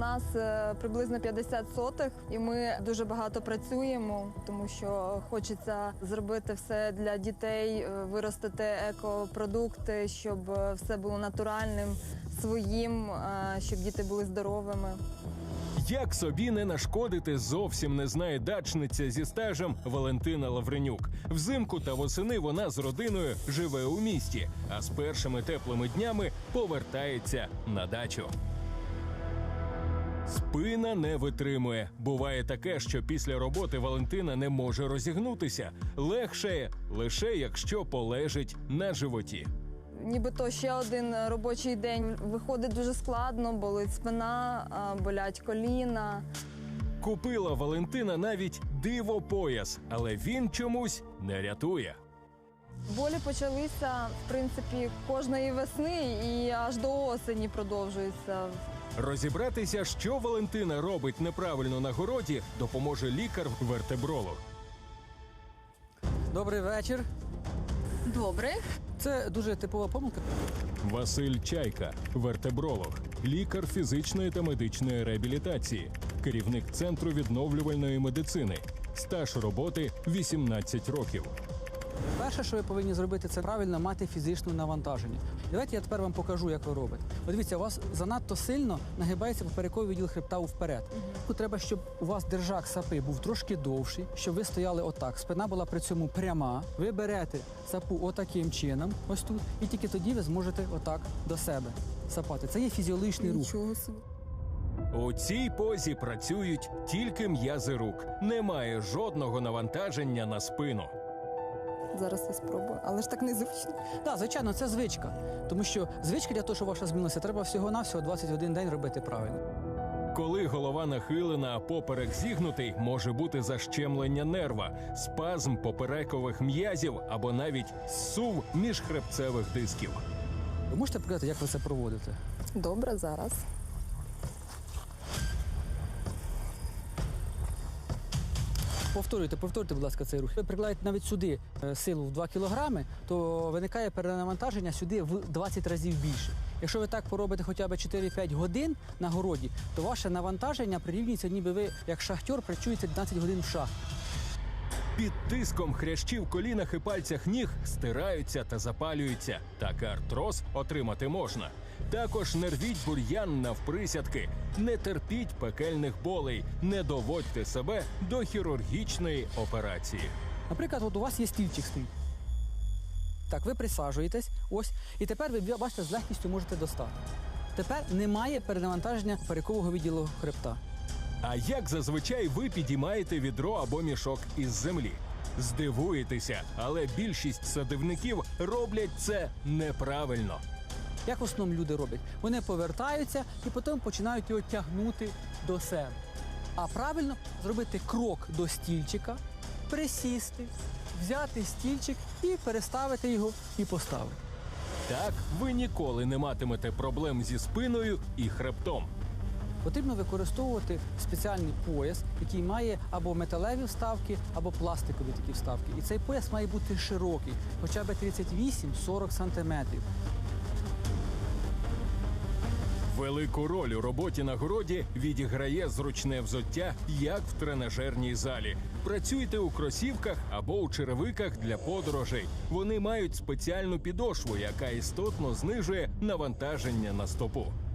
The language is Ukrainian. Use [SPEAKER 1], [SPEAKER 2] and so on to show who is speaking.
[SPEAKER 1] нас приблизно 50 сотих, і ми дуже багато працюємо, тому що хочеться зробити все для дітей, виростити екопродукти, щоб все було натуральним, своїм, щоб діти були здоровими.
[SPEAKER 2] Як собі не нашкодити, зовсім не знає дачниця зі стажем Валентина Лавренюк. Взимку та восени вона з родиною живе у місті, а з першими теплими днями повертається на дачу. Спина не витримує. Буває таке, що після роботи Валентина не може розігнутися. Легшає лише якщо полежить на животі.
[SPEAKER 1] Нібито ще один робочий день виходить дуже складно, болить спина, болять коліна.
[SPEAKER 2] Купила Валентина навіть диво-пояс, але він чомусь не рятує.
[SPEAKER 1] Болі почалися, в принципі, кожної весни і аж до осені продовжуються.
[SPEAKER 2] Розібратися, що Валентина робить неправильно на городі, допоможе лікар-вертебролог.
[SPEAKER 3] Добрий вечір.
[SPEAKER 1] Добре.
[SPEAKER 3] Це дуже типова помилка.
[SPEAKER 2] Василь Чайка, вертебролог, лікар фізичної та медичної реабілітації, керівник Центру відновлювальної медицини. Стаж роботи 18 років.
[SPEAKER 3] Перше, що ви повинні зробити, це правильно мати фізичне навантаження. Давайте я тепер вам покажу, як ви робите. От дивіться, у вас занадто сильно нагибається поперековий відділ хребта вперед. Тут треба, щоб у вас держак сапи був трошки довший, щоб ви стояли отак. Спина була при цьому пряма. Ви берете сапу отаким чином, ось тут, і тільки тоді ви зможете отак до себе сапати. Це є фізіологічний рух.
[SPEAKER 1] Нічого собі.
[SPEAKER 2] У цій позі працюють тільки м'язи рук. Немає жодного навантаження на спину.
[SPEAKER 1] Зараз я спробую, але ж так незручно.
[SPEAKER 3] Так, звичайно, це звичка. Тому що звичка для того, щоб ваша змінилася, треба всього-навсього 21 день робити правильно.
[SPEAKER 2] Коли голова нахилена, а поперек зігнутий, може бути защемлення нерва, спазм поперекових м'язів або навіть зсув міжхребцевих дисків.
[SPEAKER 3] Ви можете показати, як ви це проводите?
[SPEAKER 1] Добре, зараз.
[SPEAKER 3] Повторюйте, будь ласка, цей рух. Ви прикладаєте навіть сюди силу в 2 кілограми, то виникає перенавантаження сюди в 20 разів більше. Якщо ви так поробите хоча б 4-5 годин на городі, то ваше навантаження прирівнюється, ніби ви, як шахтер, працюєте 12 годин в шахті.
[SPEAKER 2] Під тиском хрящі в колінах і пальцях ніг стираються та запалюються. Так артроз отримати можна. Також не рвіть бур'ян навприсядки, не терпіть пекельних болей, не доводьте себе до хірургічної операції.
[SPEAKER 3] Наприклад, от у вас є стільчик стоїть. Так, ви присаджуєтесь, ось, і тепер ви, бачите, з легкістю можете достати. Тепер немає перенавантаження поперекового відділу хребта.
[SPEAKER 2] А як зазвичай ви підіймаєте відро або мішок із землі? Здивуєтеся, але більшість садівників роблять це неправильно.
[SPEAKER 3] Як в основному люди роблять? Вони повертаються і потім починають його тягнути до себе. А правильно зробити крок до стільчика, присісти, взяти стільчик і переставити його і поставити.
[SPEAKER 2] Так ви ніколи не матимете проблем зі спиною і хребтом.
[SPEAKER 3] Потрібно використовувати спеціальний пояс, який має або металеві вставки, або пластикові такі вставки. І цей пояс має бути широкий, хоча б 38-40 сантиметрів.
[SPEAKER 2] Велику роль у роботі на городі відіграє зручне взуття, як в тренажерній залі. Працюйте у кросівках або у черевиках для подорожей. Вони мають спеціальну підошву, яка істотно знижує навантаження на стопу.